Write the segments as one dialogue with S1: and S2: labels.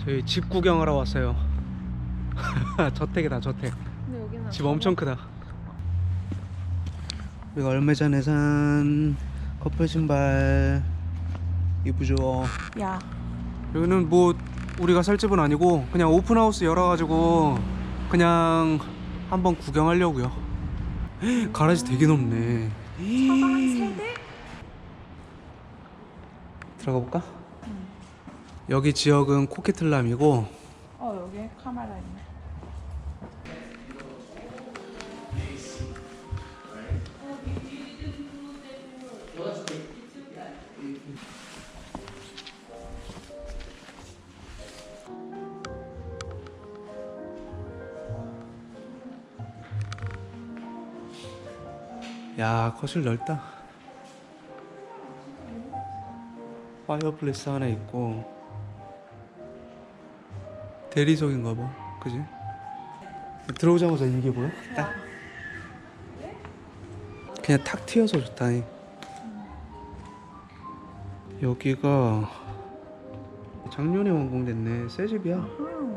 S1: 저희 집 구경하러 왔어요. 저택이다 저택.
S2: 근데 여기는
S1: 집 엄청 크다. 우리가 얼마 전에 산 커플 신발 이쁘죠.
S2: 야
S1: 여기는 뭐 우리가 살 집은 아니고 그냥 오픈하우스 열어가지고 그냥 한번 구경하려고요. 가라지 되게 넓네.
S2: 차가 한 3대?
S1: 들어가 볼까? 여기 지역은 코키틀람이고
S2: 여기 카메라 있네.
S1: 야 거실 넓다. 파이어플레이스 하나 있고 대리석인가 봐. 그지? 들어오자마자 이게 보여? 딱 그냥 탁 튀어서 좋다. 여기가 작년에 완공됐네. 새 집이야.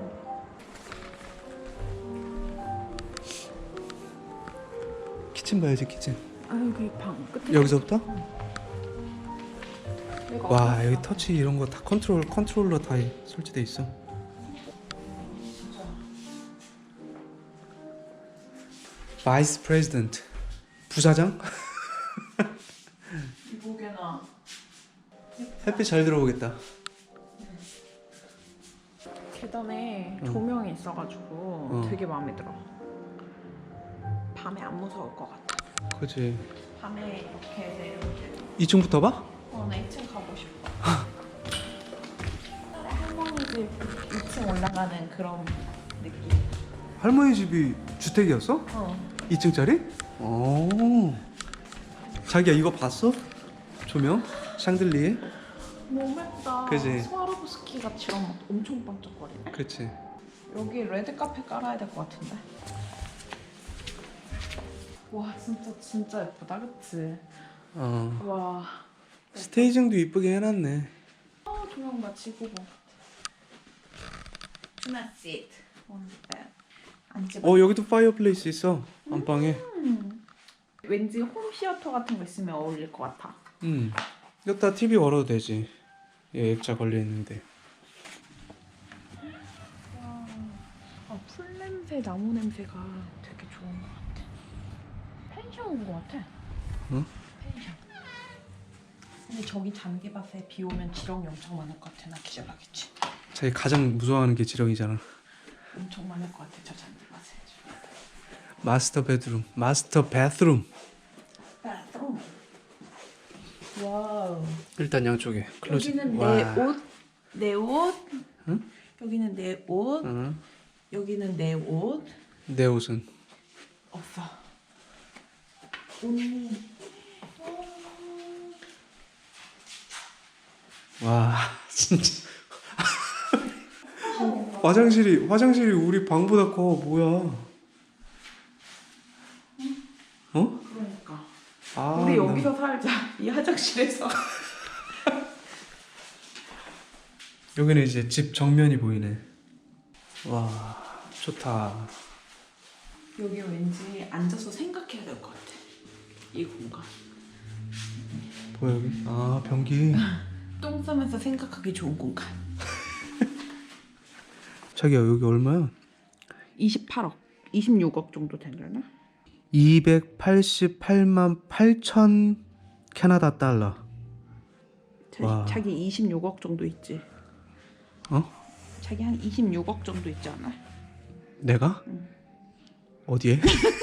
S1: 키친 봐야지 키친.
S2: 여기 방 끝에.
S1: 여기서부터?
S2: 내가
S1: 와
S2: 어디
S1: 여기
S2: 갔어?
S1: 터치 이런 거 다 컨트롤러 다 설치돼 있어. 바이스 프레지던트 부사장?
S2: 이보게나.
S1: 햇빛 잘 들어오겠다.
S2: 계단에
S1: 응.
S2: 조명이 있어가지고
S1: 응.
S2: 되게 마음에 들어. 밤에 안 무서울 것 같아.
S1: 그치.
S2: 밤에 이렇게 내려오게.
S1: 2층부터 봐?
S2: 나 2층 가고 싶어. 할머니 집 2층 올라가는 그런 느낌.
S1: 할머니 집이 주택이었어? 2층짜리? 오. 자기야 이거 봤어? 조명? 샹들리에?
S2: 너무 예쁘다.
S1: 그지?
S2: 스와로브스키 같이랑 엄청 반짝거리네.
S1: 그치.
S2: 여기 레드 카페 깔아야 될 것 같은데. 와 진짜 예쁘다, 그치? 와.
S1: 스테이징도 이쁘게 해놨네.
S2: 조명 봐, 지구본. 투나 시트, 원 베드. 앉지 마.
S1: 여기도 파이어플레이스 있어. 안방에.
S2: 왠지 홈 시어터 같은 거 있으면 어울릴 것 같아.
S1: 여기다 TV 걸어도 되지. 얘 액자 걸려있는데.
S2: 풀 냄새, 나무 냄새가 되게 좋은 것 같아. 펜션 온 것 같아.
S1: 응?
S2: 펜션. 근데 저기 잔디밭에 비 오면 지렁이 엄청 많을 것 같아. 나 기절하겠지.
S1: 자기 가장 무서워하는 게 지렁이잖아.
S2: 엄청 많을 것 같아, 저 잔디밭에.
S1: 마스터 베드룸. 마스터 바스룸.
S2: 바스룸. 와우.
S1: 일단 양쪽에 클로즈.
S2: 여기는
S1: 와.
S2: 내 옷.
S1: 응?
S2: 여기는 내 옷.
S1: 응.
S2: 여기는 내 옷.
S1: 내 옷은
S2: 없어. 언니.
S1: 와 진짜 화장실이 우리 방보다 커. 뭐야? 어?
S2: 그러니까.
S1: 아,
S2: 우리 여기서 살자. 이 화장실에서.
S1: 여기는 이제 집 정면이 보이네. 와 좋다.
S2: 여기 왠지 앉아서 생각해야 될 것 같아. 이 공간.
S1: 뭐야 여기? 아 변기.
S2: 똥 싸면서 생각하기 좋은 공간.
S1: 자기야 여기 얼마야?
S2: 28억. 26억 정도 되려나?
S1: 288만 8천 캐나다 달러. 와.
S2: 자기 26억 정도 있지. 자기 한 26억 정도 있지 않아?
S1: 내가?
S2: 응.
S1: 어디에?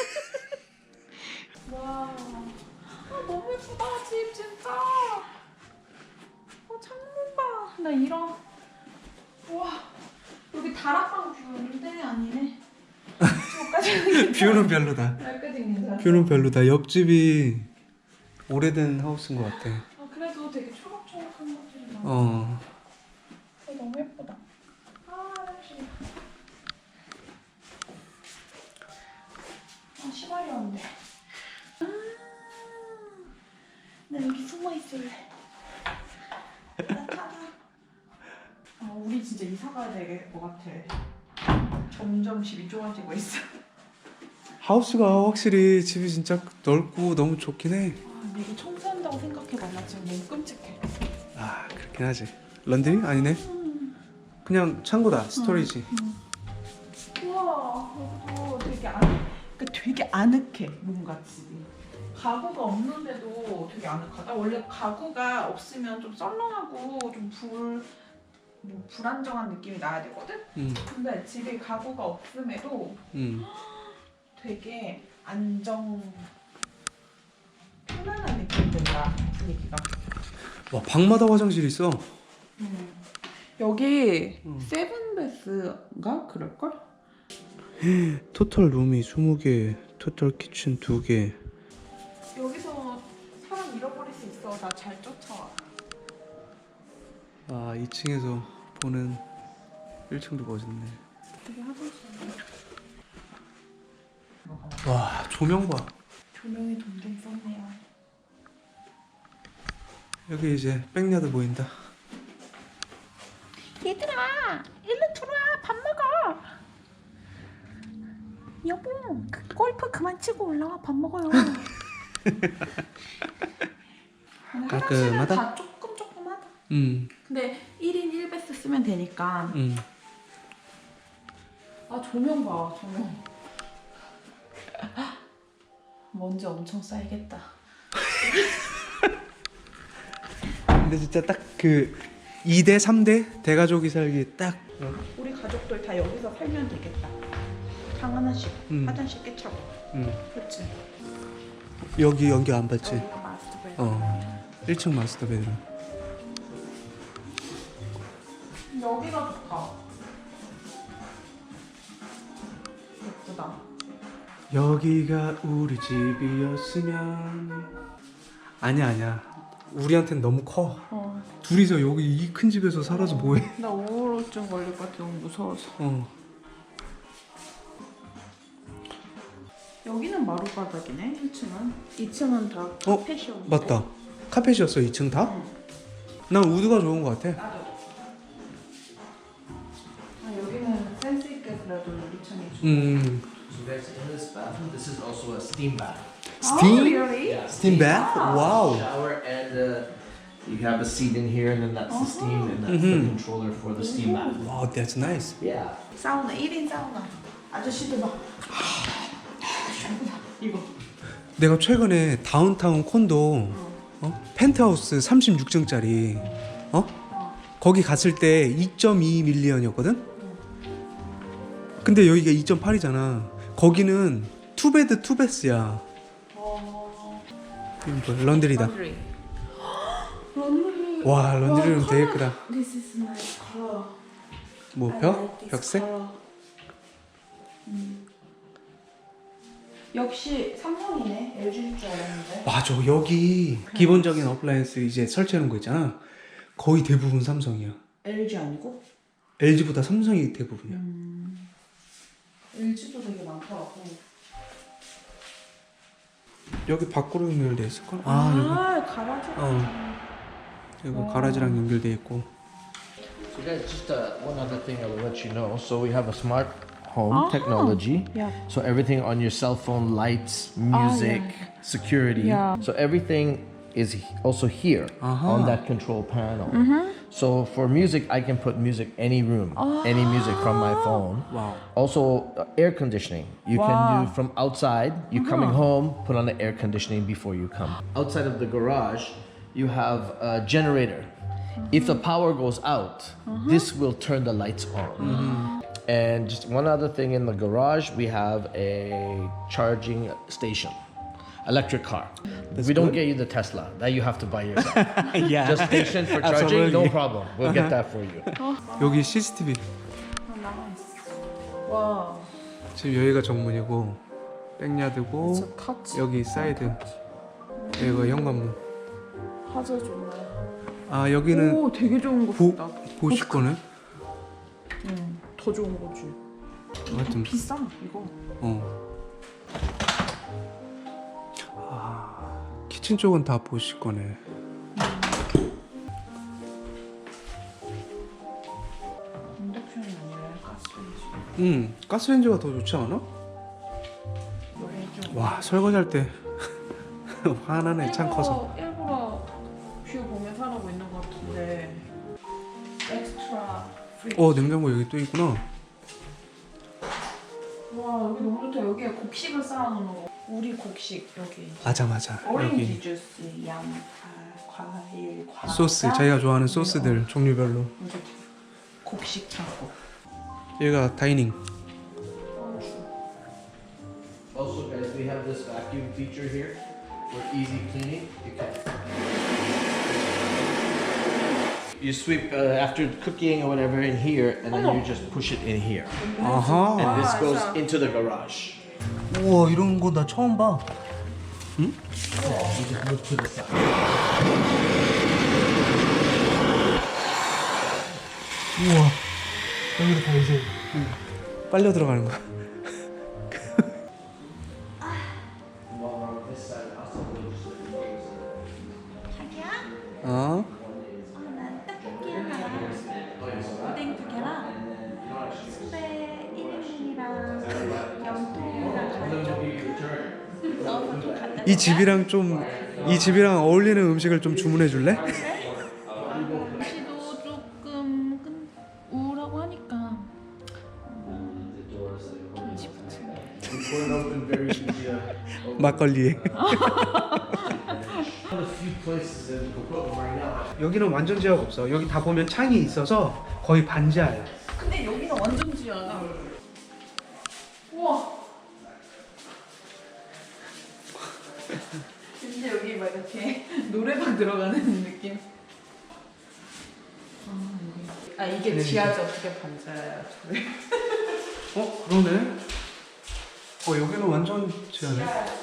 S2: 와, 너무 예쁘다 집 진짜. 창문 봐. 나 이런. 와, 여기 다락방 뷰인데 아니네. 저까지.
S1: 뷰는 별로다.
S2: 여기까지 괜찮아.
S1: 뷰는 별로다. 옆집이 오래된 하우스인 것 같아.
S2: 그래도 되게 초록초록한 것들이 많아. 너무 예쁘다. 역시. 시발이 왔네. 나 여기 숨어 있을래. 나 찾아. 우리 진짜 이사 가야 살아야 될 것 같아. 점점 집이 좁아지고 있어.
S1: 하우스가 확실히 집이 진짜 넓고 너무 좋긴 해.
S2: 근데 이게 청소한다고 생각해봐. 나 지금 너무 끔찍해.
S1: 아 그렇긴 하지. 런드리? 아니네. 그냥 창고다. 스토리지.
S2: 우와, 여기도 되게 아늑해. 뭔가 집이. 가구가 없는데도 되게 아늑하다. 원래 가구가 없으면 좀 썰렁하고 좀 불안정한 느낌이 나야 되거든. 근데 집에 가구가 없음에도 되게 편안한 느낌이 든다. 분위기가.
S1: 와 방마다 화장실이 있어.
S2: 여기 세븐베스인가 그럴걸?
S1: 토탈 룸이 20개, 토탈 키친 2개.
S2: 여기서 사람 잃어버릴 수 있어. 나 잘 쫓아와.
S1: 아 2층에서 보는 1층도 멋있네.
S2: 되게 화장실.
S1: 와 조명 봐.
S2: 조명이 동동 썼네요.
S1: 여기 이제 백야드 보인다.
S2: 얘들아, 일로 들어와. 밥 먹어. 여보, 골프 그만 치고 올라와. 밥 먹어요.
S1: 깔끔하다?
S2: 다 조금하다. 근데 1인 1베스 쓰면 되니까. 아, 조명 봐. 조명. 먼지 엄청 쌓이겠다.
S1: 근데 진짜 딱 그 2대 3대 대가족이 살기 딱.
S2: 우리 가족들 다 여기서 살면 되겠다. 방 하나씩, 화장실 깨차고. 그렇지.
S1: 여기 연기 안 받지?
S2: 여기가 마스터 베드.
S1: 1층 마스터 베드룸.
S2: 여기가 좋다. 예쁘다.
S1: 여기가 우리 집이었으면. 아니야. 우리한텐 너무 커. 둘이서 여기 이 큰 집에서 살아서 뭐해?
S2: 나 우울증 걸릴 것 같아. 너무 무서워서. 여기는 마룻바닥이네. 1층은. 2층은 다 카펫이었는데.
S1: 맞다. 카펫이었어 2층 다? 난 우드가 좋은 것 같아.
S2: 나도. 여기는 센스 있게 그래도 유리창이 좋아.
S3: So guys, in this bathroom, this is also a steam bath.
S1: Steam?
S2: really?
S3: Yeah.
S1: Steam bath? Wow.
S3: Shower and you have a seat in here, and then that's the steam, and that's the controller for the steam bath.
S1: Wow, that's nice.
S3: Yeah.
S2: 사우나 1인 사우나. 아저씨들 막 이거.
S1: 내가 최근에 다운타운 콘도 펜트하우스 36층짜리 거기 갔을 때 2.2 밀리언이었거든? 근데 여기가 2.8이잖아. 거기는 투베드 투베스야. 이건 뭐야? 런드리다.
S2: 런드리.
S1: 와 런드리룸 되게 크다.
S2: This is nice color.
S1: 뭐
S2: I
S1: 벽?
S2: like this
S1: 벽색?
S2: color. 역시 삼성이네. LG일 줄 알았는데.
S1: 맞아. 여기 기본적인 어플라이언스 이제 설치하는 거 있잖아. 거의 대부분 삼성이야.
S2: LG 아니고?
S1: LG보다 삼성이 대부분이야.
S2: LG도 되게 많더라고.
S1: 여기 밖으로 연결돼 있을걸?
S2: 가라지.
S1: 여기 가라지랑 연결돼 있고.
S3: So guys, just one other thing I will let you know. So we have a smart home technology.
S2: Yeah.
S3: So everything on your cell phone, lights, music, security.
S2: Yeah.
S3: So everything is also here on that control panel. So for music, I can put music any room, any music from my phone.
S1: Wow.
S3: Also air conditioning. You can do from outside. You coming home, put on the air conditioning before you come. Outside of the garage, you have a generator. If the power goes out, this will turn the lights on. And just one other thing in the garage, we have a charging station. Electric car. We don't get you the Tesla. That you have to buy yourself.
S1: Yeah.
S3: Just station for charging, no
S1: Absolutely.
S3: problem. We'll get that for you.
S1: 여기 CCTV.
S2: 와.
S1: 지금 여기가 정문이고 백야드고
S2: 타치.
S1: 여기 사이드. 여기가 현관문.
S2: 화질 좋네.
S1: 아 여기는
S2: 오, 되게 좋은 거
S1: 보
S2: 같다.
S1: 보실 거네.
S2: 더 좋은 거지.
S1: 하여튼
S2: 비싸 이거.
S1: 키친 쪽은 다 보실 거네.
S2: 인덕션 가스레인지.
S1: 가스레인지가 더 좋지 않아? 와 설거지할 때 화나네 창 커서.
S2: 일부러 뷰 보면서 하고 있는 것 같은데. 엑스트라 프리.
S1: 냉장고 여기 또 있구나.
S2: 와 여기 너무 좋다. 여기에 곡식을 쌓아놓는 거. 우리 곡식 여기.
S1: 맞아
S2: 오렌지
S1: 여기
S2: 주스, 양파, 과일, 과자.
S1: 소스 자기가 좋아하는 소스들 종류별로.
S2: 이제 곡식 창고.
S1: 여기가 다이닝.
S3: Also, guys, we have this vacuum feature here for easy cleaning. You sweep after cooking or whatever in here, and then you just push it in here.
S1: 아하.
S3: And this
S2: Wow,
S3: goes
S2: so-
S3: into the garage.
S1: 우와 이런 거 나 처음 봐.
S3: You just move to the side.
S1: 우와 여기로 다 이제 빨려 들어가는 거야.
S3: While we're on this side, also we'll just
S4: 자기야?
S1: 어?
S4: 난 떡볶이 하나랑 오뎅 2개랑 순대 1인분이랑 염통이랑 가지고 넣어서 좀 갖다
S1: 이 집이랑 이 집이랑 어울리는 음식을 좀 주문해 줄래?
S4: 날씨도 조금 우울하고 하니까
S3: pour it open very easy.
S1: 막걸리에.
S3: Found a few places in Coquitlam right now.
S1: 여기는 완전 지하가 없어. 여기 다 보면 창이 있어서 거의 반지하야.
S2: 근데 여기는 완전 지하다. 우와. 진짜 여기 막 이렇게 노래방 들어가는 느낌. 이게 지하지 어떻게 반지하야?
S1: 그러네. 여기는 완전 지하네.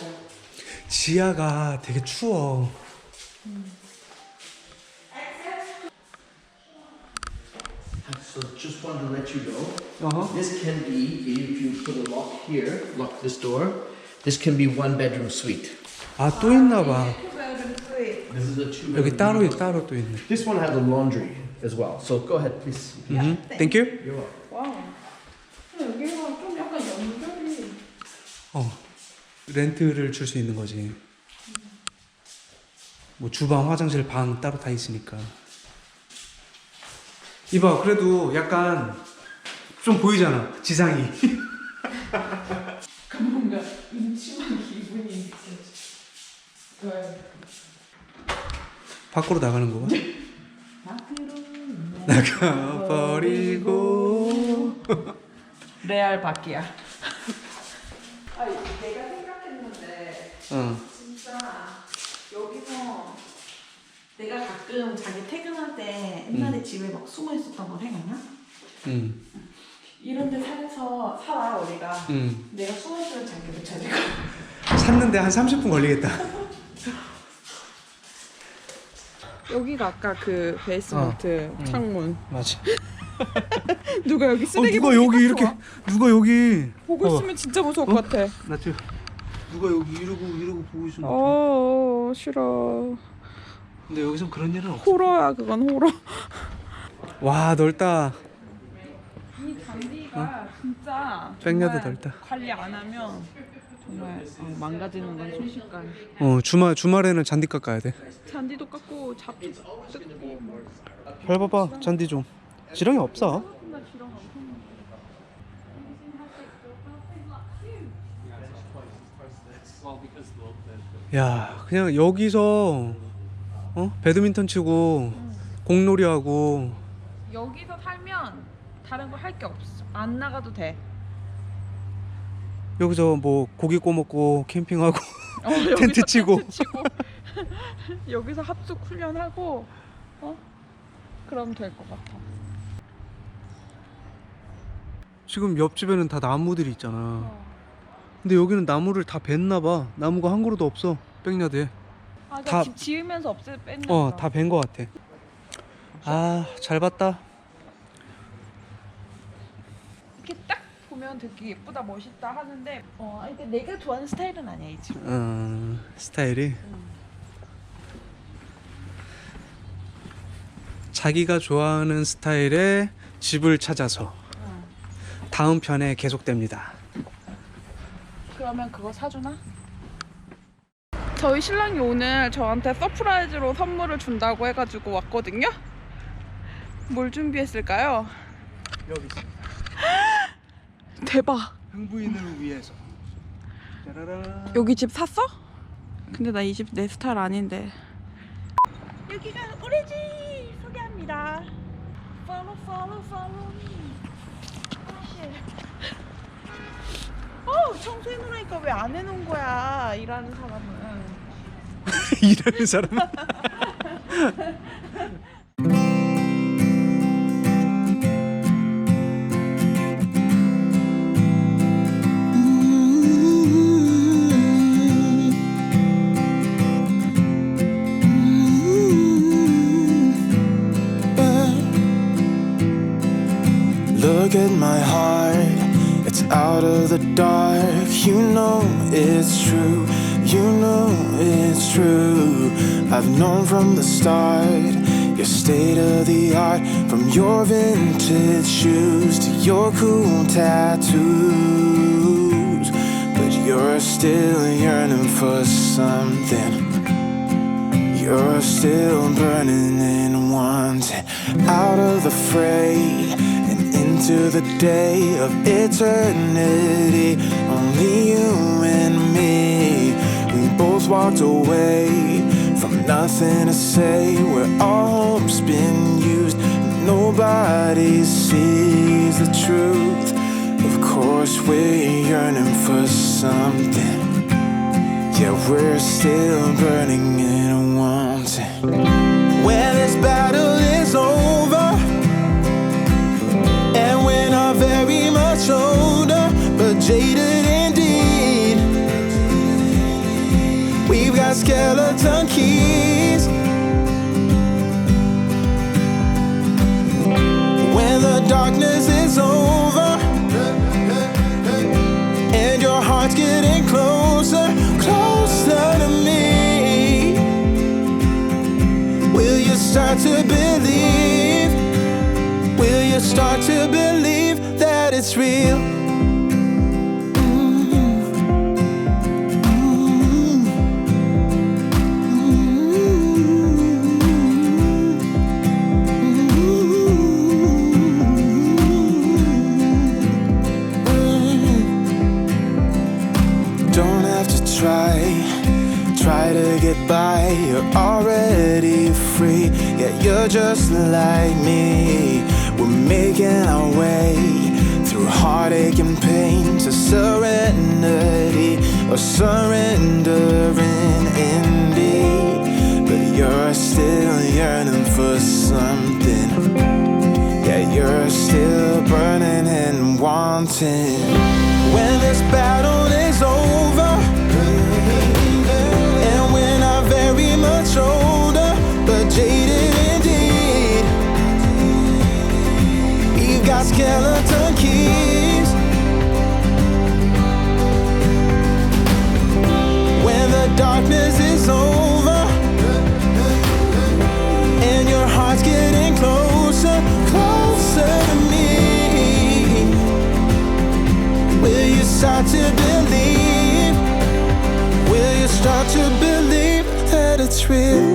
S1: 지하가 되게 추워.
S3: So just wanted to let you know.
S1: 어허.
S3: This can be, if you put a lock here, lock this door, this can be one bedroom suite.
S1: 또 있나 봐.
S3: This is a two
S1: 여기
S3: bedroom.
S1: 따로 또 있네.
S3: This one has a laundry as well. So go ahead, please.
S1: Thank you.
S3: You're welcome.
S2: 와우. 근데 여기가 좀 약간 연결이.
S1: 렌트를 줄 수 있는 거지. 뭐 주방, 화장실, 방 따로 다 있으니까. 이봐, 그래도 약간 좀 보이잖아, 지상이.
S2: 뭔가 음침한 기분이 느껴져.
S1: 밖으로 나가는 거야? 나가버리고.
S2: 레알 바퀴야. 내가 생각했는데 진짜 여기서 내가 가끔 자기 퇴근할 때 옛날에 집에 막 숨어 있었던 거 생각나?
S1: 응,
S2: 이런 데 살아 우리가.
S1: 응.
S2: 내가 숨어 있으면 자기 못 찾을까?
S1: 샀는데 한 30분 걸리겠다.
S2: 여기가 아까 그 베이스먼트 창문.
S1: 맞아.
S2: 누가 여기 쓰레기
S1: 누가 여기 이렇게, 누가 여기.
S2: 보고 있으면 진짜 무서울 것 같아.
S1: 나 지금 누가 여기 이러고 보고 있으면.
S2: 싫어.
S1: 근데 여기선 그런 일은 없어.
S2: 호러야 그건 호러.
S1: 와, 넓다.
S2: 이 잔디가 진짜
S1: 백야드
S2: 정말
S1: 넓다.
S2: 관리 안 하면 정말 망가지는 건 순식간에.
S1: 주말에는 잔디 깎아야 돼.
S2: 잔디도 깎고 잡도 뜯고.
S1: 밟아봐, 잔디 좀. 지렁이 없어. 야, 그냥 여기서 배드민턴 치고 공놀이 하고.
S2: 여기서 살면 다른 거 할 게 없어. 안 나가도 돼.
S1: 여기서 뭐 고기 구워 먹고 캠핑하고
S2: 여기서
S1: 텐트 치고.
S2: 여기서 합숙 훈련하고 그럼 될 것 같아.
S1: 지금 옆집에는 다 나무들이 있잖아. 근데 여기는 나무를 다 뱄나 봐. 나무가 한 그루도 없어. 백야드에. 다-
S2: 집 지으면서 뺐나
S1: 다 벤 거 같아. 잘 봤다.
S2: 이렇게 딱 보면 되게 예쁘다 멋있다 하는데 이게 내가 좋아하는 스타일은 아니야 이 집.
S1: 스타일이. 자기가 좋아하는 스타일의 집을 찾아서. 다음 편에 계속됩니다.
S2: 그러면 그거 사주나? 저희 신랑이 오늘 저한테 서프라이즈로 선물을 준다고 해가지고 왔거든요? 뭘 준비했을까요?
S1: 여기 있습니다.
S2: 대박!
S1: 흥부인을 위해서. 짜라란.
S2: 여기 집 샀어? 근데 나 이 집 내 스타일 아닌데. 여기가 우리 집 소개합니다. Follow, follow, follow me. 청소해놓으니까 왜 안 해놓은 거야? 일하는 사람은.
S1: 일하는 사람.
S5: Look at my heart, it's out of the dark. You know it's true, you know it's true. I've known from the start, your state of the art. From your vintage shoes to your cool tattoos. But you're still yearning for something. You're still burning and wanting out of the fray and into the day of eternity. Only you and me. We both walked away from nothing to say. Where our hope's been used, nobody sees the truth. Of course we're yearning for something. Yeah, we're still burning and wanting. When this battle is over, and we're not very much older, but jaded indeed. We've got skeleton keys. When the darkness is over, and your heart's getting closer, closer to me, will you start to believe? Will you start to believe that it's real? Don't have to try to get by. You're already free. Yeah, you're just like me. We're making our way through heartache and pain to serenity, or surrendering indeed. But you're still yearning for something. Yeah, you're still burning and wanting. When this battle is over, and we're not very much older, but jaded indeed. We've got skeleton keys. When the darkness is over, and your heart's getting closer, closer to me, will you start to believe? Will you start to believe that it's real?